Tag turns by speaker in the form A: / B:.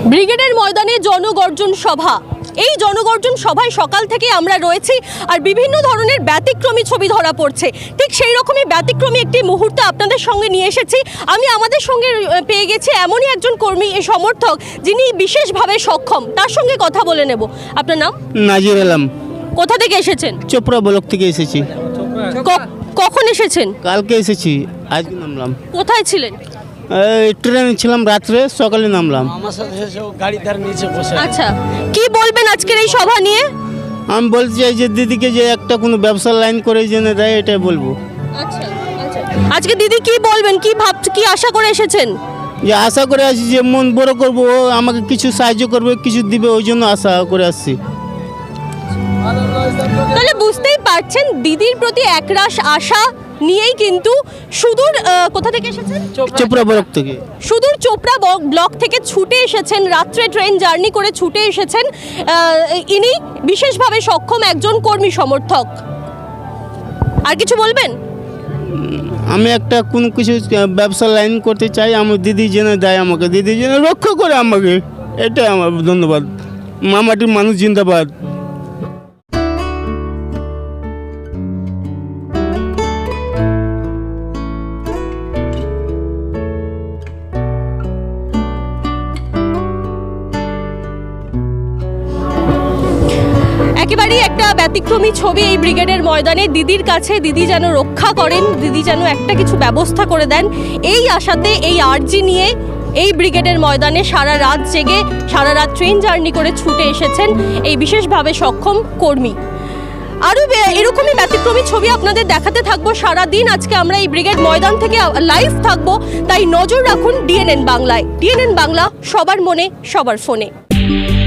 A: ব্রিগেডের ময়দানে জনগর্জন সভা। এই জনগর্জন সভায় সকাল থেকে আমরা রয়েছি আর বিভিন্ন ধরনের ব্যতিক্রমী ছবি ধরা পড়ছে। ঠিক সেই রকমই ব্যতিক্রমী একটি মুহূর্ত আপনাদের সঙ্গে নিয়ে এসেছি। আমি আমাদের সঙ্গে পেয়ে গেছি এমনই একজন কর্মী সমর্থক যিনি বিশেষভাবে সক্ষম, তার সঙ্গে কথা বলে নেব। আপনার নাম?
B: নাজির আলম।
A: কোথা থেকে এসেছেন?
B: চোপড়া ব্লক থেকে এসেছি।
A: কখন এসেছেন?
B: কালকে এসেছি, আজকে নামলাম।
A: কোথায় ছিলেন?
B: ট্রেনে ছিলাম, রাত্রে সকালে নামলাম।
C: আমার সাথে গাড়ি তার নিচে বসে
A: আচ্ছা, কি বলবেন আজকের এই সভা নিয়ে?
B: আমি বলতে চাই যে দিদিকে যে একটা কোনো ব্যবসার লাইন করে জেনে দেয়, এটাই বলবো।
A: আচ্ছা, আজকে দিদি কি বলবেন, কি কি আশা করে এসেছেন?
B: যে আশা করে আসি যে মন বড় করবো, ও আমাকে কিছু সাহায্য করবে, কিছু দিবে, ওই জন্য আশা করে আসছি।
A: তাহলে বুঝতেই পারছেন দিদির প্রতি একরাশ আশা নিয়েই কিন্তু সুদূর কোথা থেকে এসেছেন?
B: চোপড়া ব্লক থেকে।
A: সুদূর চোপড়া ব্লক থেকে ছুটে এসেছেন, রাত্রে ট্রেন জার্নি করে ছুটে এসেছেন। ইনি বিশেষভাবে সক্ষম একজন কর্মী সমর্থক। আর কিছু বলবেন?
B: আমি একটা কোনো কিছু ব্যবসার লাইন করতে চাই, আমার দিদি জেনে দেয় আমাকে, দিদি জেনে রক্ষা করে আমাকে, এটাই আমার ধন্যবাদ। মামাটির মানুষ জিন্দাবাদ।
A: একেবারেই একটা ব্যতিক্রমী ছবি এই ব্রিগেডের ময়দানে। দিদির কাছে দিদি যেন রক্ষা করেন, দিদি যেন একটা কিছু ব্যবস্থা করে দেন, এই আশাতে, এই আর্জি নিয়ে এই ব্রিগেডের ময়দানে সারা রাত জেগে, সারা রাত ট্রেন জার্নি করে ছুটে এসেছেন এই বিশেষভাবে সক্ষম কর্মী। আরও এরকমই ব্যতিক্রমী ছবি আপনাদের দেখাতে থাকবো সারা দিন। আজকে আমরা এই ব্রিগেড ময়দান থেকে লাইভ থাকবো, তাই নজর রাখুন ডিএনএন বাংলায়। ডিএনএন বাংলা, সবার মনে, সবার ফোনে।